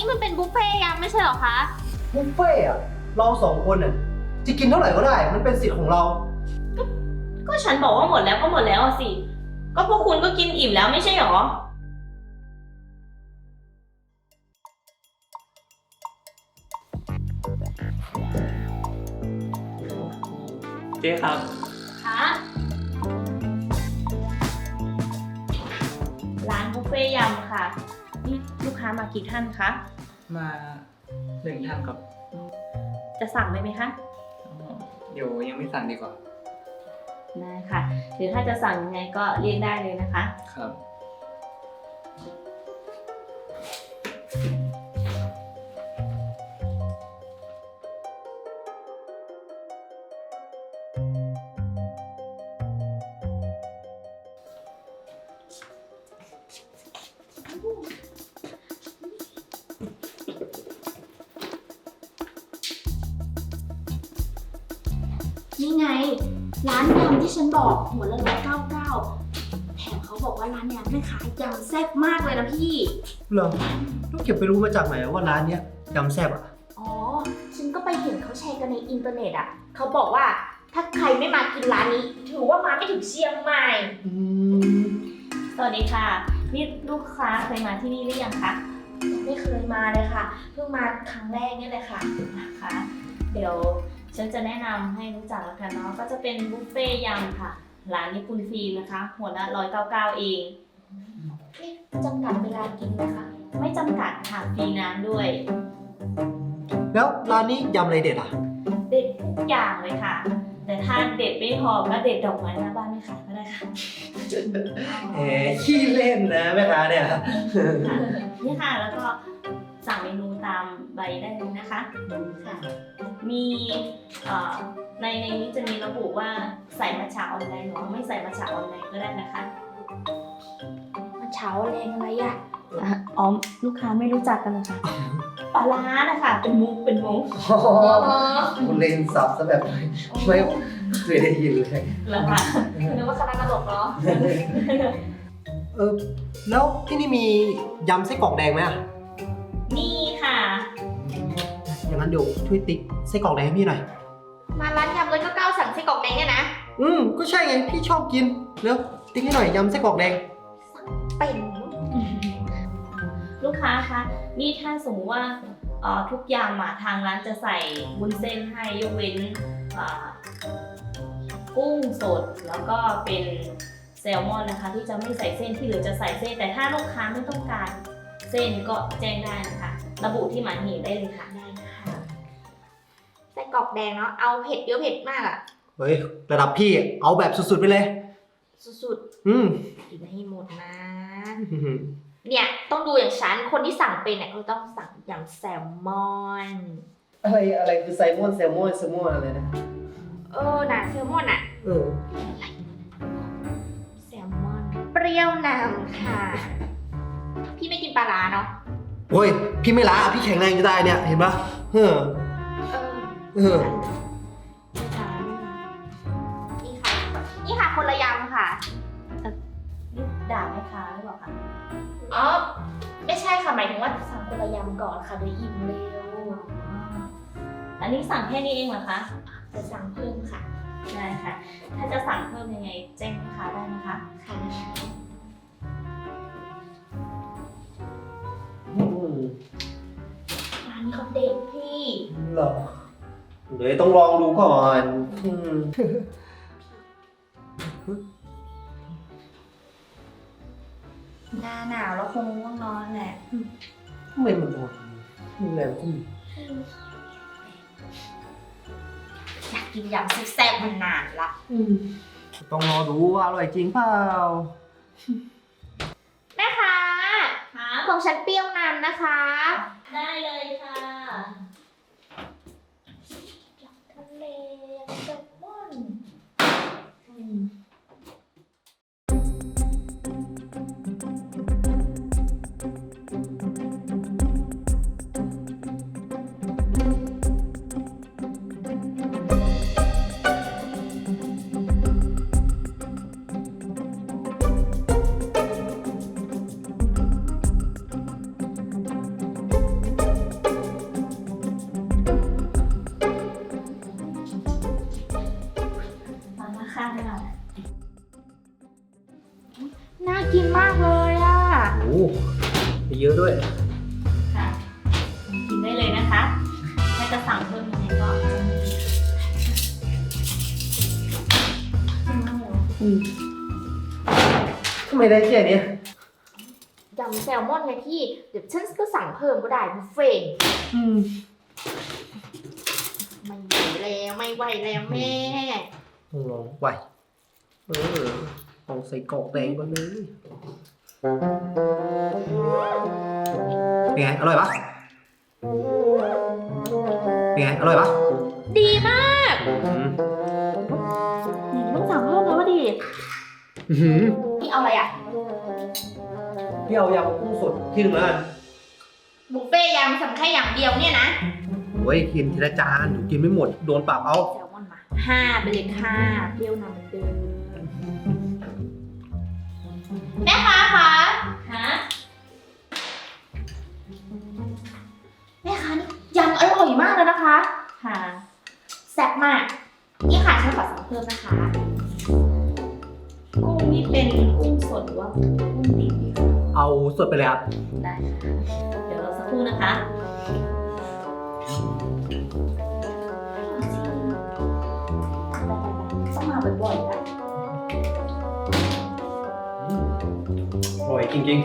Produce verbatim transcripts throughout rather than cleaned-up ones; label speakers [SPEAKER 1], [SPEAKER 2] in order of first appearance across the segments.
[SPEAKER 1] มันเป็นบุฟเฟ่ต์ยำไม่ใช่เหรอคะ
[SPEAKER 2] บุฟเฟ่อะเราสองคนน่ะจะกินเท่าไหร่ก็ได้ มันเป็นสิทธิ์ของเรา
[SPEAKER 3] ก็ฉันบอกว่าหมดแล้วก็หมดแล้วสิก็พวกคุณก็กินอิ่มแล้วไม่ใช่หรอ
[SPEAKER 4] เจ๊ครับ
[SPEAKER 3] คะร้านบุฟเฟ่ยำค่ะนี่ลูกค้ามากี่ท่านคะ
[SPEAKER 4] มาหนึ่งท่านครับ
[SPEAKER 3] จะสั่งเลยไหมคะ
[SPEAKER 4] เดี๋ยวยังไม่สั่งดีกว่า
[SPEAKER 3] ได้ค่ะหรือถ้าจะสั่งยังไงก็เรียกได้เลยนะคะ
[SPEAKER 4] ครับ
[SPEAKER 1] นี่ไงร้านยำที่ฉันบอกหัวละร้อยเก้าเก้าแถมเขาบอกว่าร้านเนี้ยแม่ค้ายำแซ่บมากเลยนะพี่
[SPEAKER 2] เหรอต้องเก็บไปรู้มาจากไหนว่าร้านเนี้ยยำแซ่บอ่ะ
[SPEAKER 1] อ๋อฉันก็ไปเห็นเขาแชร์กันในอินเทอร์เน็ตอ่ะเขาบอกว่าถ้าใครไม่มากินร้านนี้ถือว่ามาไม่ถึงเชียงใหม่
[SPEAKER 2] อืม
[SPEAKER 3] สวัสดีค่ะนี่ลูกค้าเคยมาที่นี่หรือยังคะ
[SPEAKER 1] ยังไม่เคยมาเลยค่ะเพิ่งมาครั้งแรกนี่เลยค่ะ
[SPEAKER 3] นะคะเดี๋ยวฉันจะแนะนำให้รู้จักแล้วกันเนาะก็จะเป็นบุฟเฟ่ยำค่ะร้านญี่ปุ่นฟิล์มนะคะหัวละร้อยเก้าเก้าเอง
[SPEAKER 1] จำกัดเวลากินนะคะ
[SPEAKER 3] ไม่จำกัดค่ะฟรีน้ำด้วย
[SPEAKER 2] แล้วร้านนี้ยำอะไรเด็ดอ่ะ
[SPEAKER 3] เด็ดทุกอย่างเลยค่ะแต่ถ้าเด็ดไม่พอก็เด็ดดอกไม้หน้าบ้านไม่ขายก็ได้ค่ะ
[SPEAKER 2] แหมขี้เล่นนะแม่ค้าเนี่ย
[SPEAKER 3] นี่ค่ะแล้วก็สั่งเมนูตามใบได้เลยนะคะค่ะมีในในนี้จะมีระบุว่าใส่มัทฉะออนไลน์หรือไม่ใส่มัทฉะออนไลน์ก็ได้นะคะ
[SPEAKER 1] มัทฉะออนไลน์อะไรอ่ะ
[SPEAKER 3] อ๋อลูกค้าไม่รู้จักกันเลยค่ะปลาร้านะคะเป็นมุกเป็นมุก
[SPEAKER 2] คุณเล่นซับซะแบบไม่เคยได้ยินเลย
[SPEAKER 3] แล้วค่ะ
[SPEAKER 1] นึกว่าคณะตลกเนาะ
[SPEAKER 2] เออแล้วที่นี่มียำไส้กรอกแดงไหมอ่ะ
[SPEAKER 3] นี่ค่ะ
[SPEAKER 2] อย่างนั้นเดี๋ยวช่วยติ๊กไส้กรอกแดงให้พี่หน่อย
[SPEAKER 1] มาร้านยำเลยก็ก้าวสั่งไส้กรอกแดงเนี่ยนะ
[SPEAKER 2] อืมก็ใช่ไงพี่ชอบกินแล้วติ๊กให้หน่อยยำไส้กรอกแดง
[SPEAKER 1] เป็น
[SPEAKER 3] ลูกค้าคะนี่ถ้าสมมติว่าทุกอย่างมาทางร้านจะใส่วุ้นเส้นให้ยกเว้นกุ้งสดแล้วก็เป็นแซลมอนนะคะที่จะไม่ใส่เส้นที่เหลือจะใส่เส้นแต่ถ้าลูกค้าไม่ต้องการเส้นก็แจ้งได้นะคะระบุที่หมายเหตุได้เลยค่ะ
[SPEAKER 1] ได้ค่ะไส้กรอกแดงเนาะเอาเผ็ดเยอะเผ็ดมากอ่ะ
[SPEAKER 2] เฮ้ยระดับพี่เอาแบบสุดๆไปเลย
[SPEAKER 1] สุด
[SPEAKER 2] ๆอืม
[SPEAKER 1] กินให้หมดนะเนี่ยต้องดูอย่างฉันคนที่สั่งเป็นเนี่ยเขาต้องสั่งยำแซลมอน
[SPEAKER 2] อะไรอะไรคือไซมอนแซลมอนแซลมอนอะไรนะ
[SPEAKER 1] เออน่ะแซลมอนอ่ะ
[SPEAKER 2] เออ
[SPEAKER 1] แซลมอนเปรี้ยวนำค่ะพี่ไม่กินปลาร้าเนาะ
[SPEAKER 2] โอ้ยพี่ไม่ล้าพี่แข็งแรงจะได้เนี่ยเห็นปะเออเออ
[SPEAKER 1] นี่ค่ะนี่ค่ะคนละยำค่ะ
[SPEAKER 3] นี่ด่าแม่ค้าหรือเปล่าคะ
[SPEAKER 1] อ๋อไม่ใช่ค่ะหมายถึงว่าสั่งคนละยำก่อนค่ะเดี๋ยวอิ่มเร็ว
[SPEAKER 3] อันนี้สั่งแค่นี้เองเหรอคะ
[SPEAKER 1] จะสั่งเพิ่มค่ะ
[SPEAKER 3] ได้ค่ะถ้าจะสั่งเพิ่มยังไงแจ้งลูกค้าได้นะคะ
[SPEAKER 1] ค่ะร้านนี้เขาเด็ดพี่
[SPEAKER 2] เหรอเดี๋ยวต้องลองดูก่อน
[SPEAKER 1] หน้าหนาวแล้วคงง่วงนอนแหละ
[SPEAKER 2] ทำไมมันนอนมีแรงก็มี
[SPEAKER 1] อยากกินยำแซ่บๆมานานละ
[SPEAKER 2] ต้องรอดูว่าอร่อยจริงเปล่า
[SPEAKER 1] แม่ค้าของฉันเปรี้ยวนำนะคะ
[SPEAKER 3] ได้เลยค่ะ
[SPEAKER 1] ทะเลแซลมอน
[SPEAKER 2] อืมทำไมได้แค่เนี้ย
[SPEAKER 1] ยำแซลมอนไงพี่ เดี๋ยวฉันก็สั่งเพิ่มก็ได้บุฟเฟ่ต์
[SPEAKER 2] อืม
[SPEAKER 1] ไม่ไหวแล้วไม่ไหวแล้วแม่
[SPEAKER 2] ต้องลองไหวเออต้องใส่กรอกแดงก่อนเลยเป็นไง อร่อยปะเป็นไง อร่อยปะ
[SPEAKER 1] ดีมาก
[SPEAKER 2] อืม
[SPEAKER 1] นี่ต้องสั่งเพิ่มแล้วว่าดี
[SPEAKER 2] อื้อหือ
[SPEAKER 1] พี่เอาอะไรอ่ะ
[SPEAKER 2] พี่เอายำกุ้งสดที่หนึ่งแล้วกัน
[SPEAKER 1] บุฟเฟ่ต์ยำสั่งแค่อย่างเดียวเนี่ยนะ
[SPEAKER 2] โอ้ยกินทีละจานกินไม่หมด โดนปรับเอา
[SPEAKER 1] แซลมอนมาห้าไปเลยค่ะเปรี้ยวนำเหมือนเดิมแม่ค้าคะ
[SPEAKER 3] ฮะ
[SPEAKER 1] แม่ค้านี่ยำอร่อยมากเลยนะคะ
[SPEAKER 3] ค่ะ
[SPEAKER 1] แซ่บมาก นี่ค่ะฉันขอสั่งเพิ่มนะคะ
[SPEAKER 3] กุ้งนี่เป็นกุ้งสดหรือว่ากุ้งดิบดีคะ
[SPEAKER 2] เอาสดไปเลยครับ
[SPEAKER 3] ได้ค่ะ เดี๋ยวรอสักครู่นะคะ
[SPEAKER 1] ต้องมาบ่อยๆนะ
[SPEAKER 2] อร่อยจริง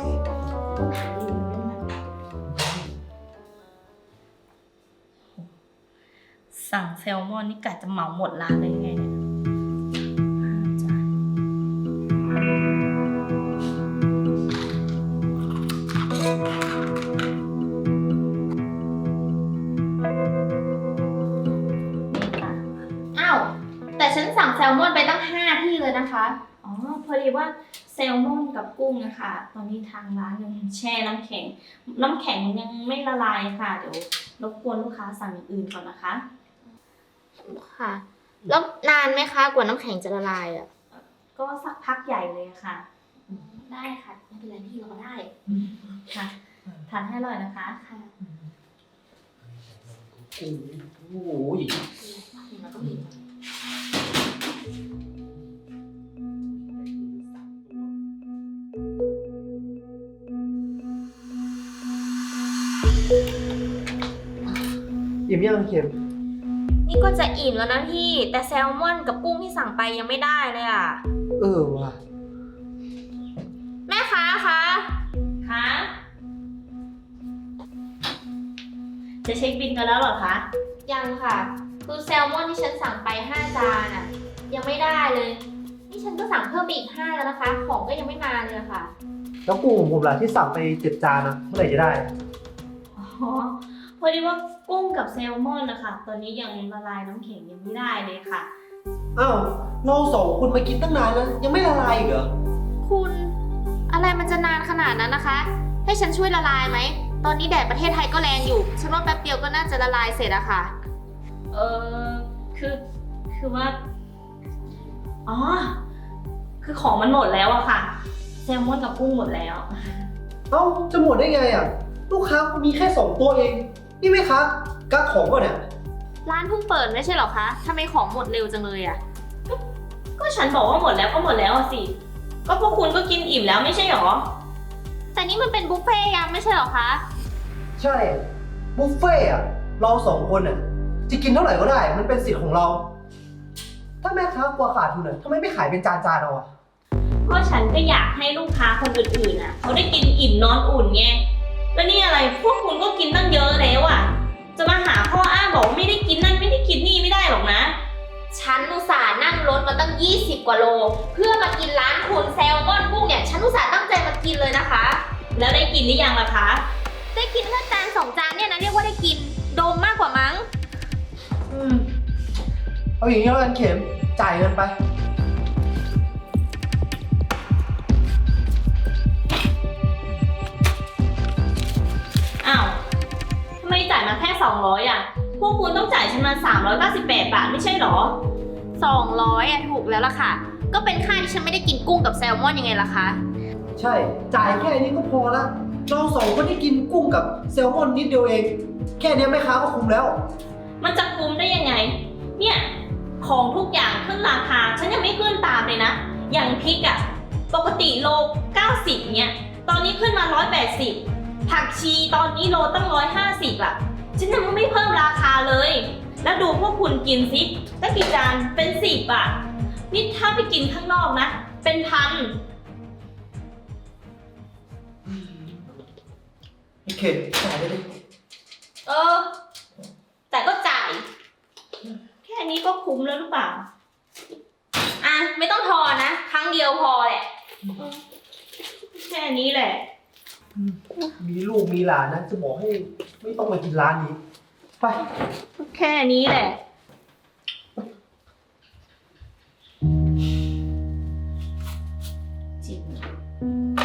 [SPEAKER 3] สั่งแซลมอนนี่กะจะเหมาหมดร้านเลยไงเนี่ยห้าจานนี่ค่ะ
[SPEAKER 1] อ้าว แต่ฉันสั่งแซลมอนไปตั้งห้าที่เลยนะคะ
[SPEAKER 3] อ๋อ พอดีว่าแซลมอนกับกุ้งนะคะตอนนี้ทางร้านยังแช่น้ำแข็ง น้ำแข็งยังไม่ละลายค่ะ เดี๋ยวรบกวนลูกค้าสั่งอย่างอื่นก่อนนะคะ
[SPEAKER 1] ค่ะ แล้วนานไหมคะกว่าน้ำแข็งจะละลายอ่ะ
[SPEAKER 3] ก็สักพักใหญ่เลยค่ะ
[SPEAKER 1] ได้ค่ะ ไม่เป็นไรพี่รอได้
[SPEAKER 3] ค่ะ ทานให้อร่อยนะคะ
[SPEAKER 1] ค่ะ
[SPEAKER 2] ๆ โอ้โห
[SPEAKER 1] มันก็มี
[SPEAKER 2] อิ่มยังเค็ม
[SPEAKER 1] นี่ก็จะอิ่มแล้วนะพี่ แต่แซลมอนกับกุ้งที่สั่งไปยังไม่ได้เลยอ่ะ
[SPEAKER 2] เออว่ะ
[SPEAKER 1] แม่ค้าคะ
[SPEAKER 3] คะ จะเช็คบินกันแล้วเหรอคะ
[SPEAKER 1] ยังค่ะ คือแซลมอนที่ฉันสั่งไปห้าจานอ่ะ ยังไม่ได้เลย นี่ฉันก็สั่งเพิ่มไปอีกห้าแล้วนะคะ ของก็ยังไม่มาเลยอะค่ะ
[SPEAKER 2] แล้วกุ้งของผมล่ะที่สั่งไปเจ็ดจานนะเมื่อไหร่จะได้
[SPEAKER 3] อ๋อ พอดีว่ากุ้งกับแซลมอนนะคะ ตอนนี้ยังละลายน้ำแข็งยังไม่ได้เลยค่ะ
[SPEAKER 2] อ้าว เราสองคนมากินตั้งนานแล้ว ยังไม่ละลายอีกเหรอ
[SPEAKER 1] คุณอะไรมันจะนานขนาดนั้นนะคะ ให้ฉันช่วยละลายไหม ตอนนี้แดดประเทศไทยก็แรงอยู่ ฉันว่าแป๊บเดียวก็น่าจะละลายเสร็จอะค่ะ
[SPEAKER 3] เออคือ คือว่า อ๋อ คือของมันหมดแล้วอะค่ะ แซลมอนกับกุ้งหมดแล้ว
[SPEAKER 2] เอ้า จะหมดได้ไงอ่ะ ลูกค้ามีแค่สองตัวเอง นี่ไหมคะกักของก่อนเนี่ย
[SPEAKER 1] ร้านเพิ่งเปิดไม่ใช่เหรอคะทำไมของหมดเร็วจังเลยอะ
[SPEAKER 3] ก็ฉันบอกว่าหมดแล้วก็หมดแล้วอะสิ ก็พวกคุณก็กินอิ่มแล้วไม่ใช่หรอ
[SPEAKER 1] แต่นี่มันเป็นบุฟเฟ่ต์ยำไม่ใช่เหรอคะ
[SPEAKER 2] ใช่ บุฟเฟ่ต์อ่ะ เราสองคนอ่ะ จะกินเท่าไหร่ก็ได้ มันเป็นสิทธิ์ของเรา ถ้าแม่ค้ากลัวขาดทุนอ่ะทำไมไม่ขายเป็นจานๆเอาอ่ะ
[SPEAKER 3] ก็ฉันก็อยากให้ลูกค้าคนอื่นๆน่ะเขาได้กินอิ่มนอนอุ่นไง แล้วนี่อะไรพวกคุณก็กินตั้งเยอะแล้วอ่ะ จะมาหาข้ออ้างบอกว่าไม่ได้กินนั่นไม่ได้กินนี่ไม่ได้หรอกนะ
[SPEAKER 1] ฉันอุตส่าห์นั่งรถมาตั้งยี่สิบกว่าโล เพื่อมากินร้านคุณแซลมอนกุ้งเนี่ย ฉันอุตส่าห์ตั้งใจมากินเลยนะคะ
[SPEAKER 3] แล้วได้กินหรือยังล่ะคะ
[SPEAKER 1] ได้กินแค่จานสองจานเนี่ยนะเรียกว่าได้กิน โดมมากกว่ามั้ง
[SPEAKER 2] อืม เอาอย่างนี้แล้วกันเข็ม จ่ายเงินไป
[SPEAKER 3] อ้าวทำไมจ่ายมาแค่สองร้อยอ่ะ พวกคุณต้องจ่ายฉันมาสามร้อยเก้าสิบแปดบาทไม่ใช่หรอ
[SPEAKER 1] สองร้อยอ่ะถูกแล้วล่ะค่ะ ก็เป็นค่าที่ฉันไม่ได้กินกุ้งกับแซลมอนยังไงล่ะคะ
[SPEAKER 2] ใช่ จ่ายแค่นี้ก็พอละ เราสองคนได้กินกุ้งกับแซลมอนนิดเดียวเอง แค่นี้แม่ค้าก็คุ้มแล้ว
[SPEAKER 3] มันจะคุ้มได้ยังไง เนี่ย ของทุกอย่างขึ้นราคา ฉันยังไม่ขึ้นตามเลยนะ อย่างพริกอะปกติโลเก้าสิบเนี่ย ตอนนี้ขึ้นมาหนึ่งร้อยแปดสิบ ผักชีตอนนี้โลตั้งหนึ่งร้อยห้าสิบอะฉันยังไม่เพิ่มราคาเลย แล้วดูพวกคุณกินซิตั้งกี่จานเป็นสิบอะนี่ถ้าไปกินข้างนอกนะ เป็นพัน
[SPEAKER 2] โอเคจ่ายได้ดิ
[SPEAKER 3] เออ แต่ก็จ่าย แค่นี้ก็คุ้มแล้วหรือเปล่า
[SPEAKER 1] อ่ะ ไม่ต้องทอนนะ ครั้งเดียวพอแหละ
[SPEAKER 3] แค่นี้แหละ
[SPEAKER 2] มีลูกมีหลานนะ จะบอกให้ไม่ต้องมากินร้านนี้ ไป
[SPEAKER 3] แค่นี้แหละ จริง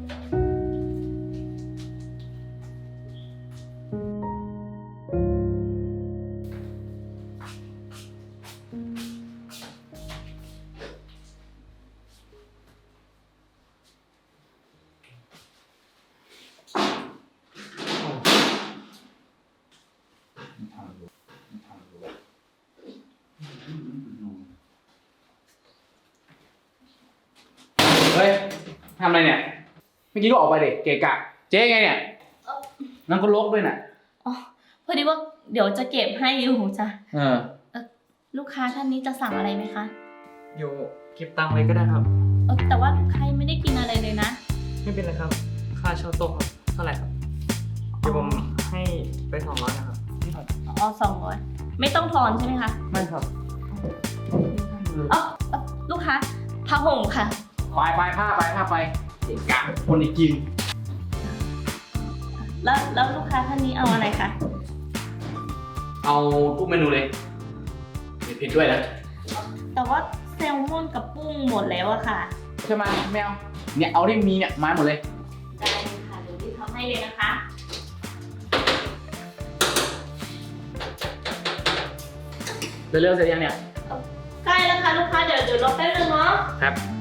[SPEAKER 5] เฮ้ยทำอะไรเนี่ยเมื่อกี้ก็ออกไปเด็กเกะกะ เจ๊ไงเนี่ย
[SPEAKER 3] เอ้า
[SPEAKER 5] นั่นก็ลกด้วยน่ะ
[SPEAKER 3] อ๋อ พอดีว่าเดี๋ยวจะเก็บให้อยู่จ้ะ
[SPEAKER 5] เออ
[SPEAKER 3] ลูกค้าท่านนี้จะสั่งอะไรไหมคะ
[SPEAKER 4] อยู่เก็บตังค์ไว้ก็ได้ครับ
[SPEAKER 3] เออแต่ว่าลูกค้ายังไม่ได้กินอะไรเลยนะ
[SPEAKER 4] ไม่เป็นไรครับ ค่าเช่าโต๊ะครับ เท่าไหร่ครับ เดี๋ยวผมให้ไปสองร้อยนะครับ
[SPEAKER 3] อ๋อสองร้อยไม่ต้องทอนใช่ไหมคะ
[SPEAKER 4] ไม่ครับ
[SPEAKER 3] อ๋อเอ่อลูกค้าผ้าห่มค่ะ
[SPEAKER 5] ไปไปผ้าไปผ้าไปเกะกะคนอีกกิน
[SPEAKER 3] แล้วแล้วลูกค้าท่านนี้เอาอะไรคะ
[SPEAKER 5] เอาทุกเมนูเลยมีพริกด้วยนะ
[SPEAKER 3] แต่ว่าแซลมอนกับกุ้งหมดแล้วอะค่ะ
[SPEAKER 5] ใช่ไหมแมวเนี่ยเอาที่มีเนี่ยมาหมดเลย
[SPEAKER 3] ได้เลยค่ะเดี๋ยวรีบทำให้เลยนะคะ
[SPEAKER 5] เร็วๆเสร็จยังเนี่ย
[SPEAKER 3] ใกล้แล้วค่ะลูกค้าเดี๋ยวเดี๋ยวรอแป๊บนึงเนาะ
[SPEAKER 5] ครับ